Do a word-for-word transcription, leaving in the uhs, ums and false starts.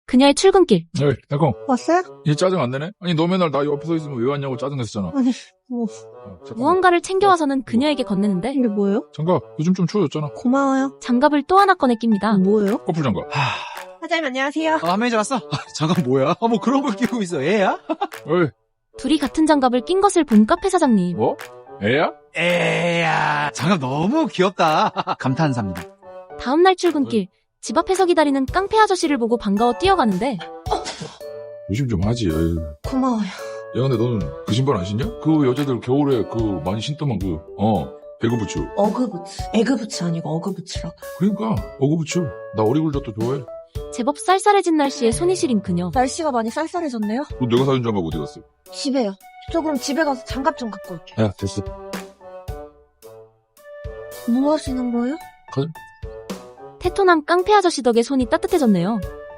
그녀의 출근길. 에이, 달콩. 왔어요? 얘 짜증 안 내네? 아니, 너 맨날 나 옆에 서 있으면 왜 왔냐고 짜증냈었잖아. 아니, 뭐, 어, 잠깐만. 무언가를 챙겨와서는 그녀에게 건네는데 이게 뭐예요? 장갑, 요즘 좀 추워졌잖아. 고마워요. 장갑을 또 하나 꺼내 낍니다. 뭐예요? 커플 장갑. 사장님 안녕하세요. 아, 한 매니저 왔어? 아, 잠깐 뭐야? 아, 뭐 그런 걸 끼고 있어. 애야? 어이, 둘이 같은 장갑을 낀 것을 본 카페 사장님. 뭐? 애야? 애야. 장갑 너무 귀엽다. 감탄사입니다. 다음날 출근길. 집 앞에서 기다리는 깡패 아저씨를 보고 반가워 뛰어가는데 조심 좀 하지. 에이. 고마워요. 야, 근데 너는 그 신발 안 신냐? 그 여자들 겨울에 그 많이 신더만 그, 어, 배그부츠. 어그부츠. 에그부츠 아니고 어그부츠라고. 그러니까, 어그부츠. 나 어리굴젓도 좋아해. 제법 쌀쌀해진 날씨에 손이 시린 그녀. 날씨가 많이 쌀쌀해졌네요? 너 내가 사준 장갑 어디 갔어? 집에요. 저 그럼 집에 가서 장갑 좀 갖고 올게요. 야, 됐어. 뭐 하시는 거예요? 테토남 깡패 아저씨 덕에 손이 따뜻해졌네요.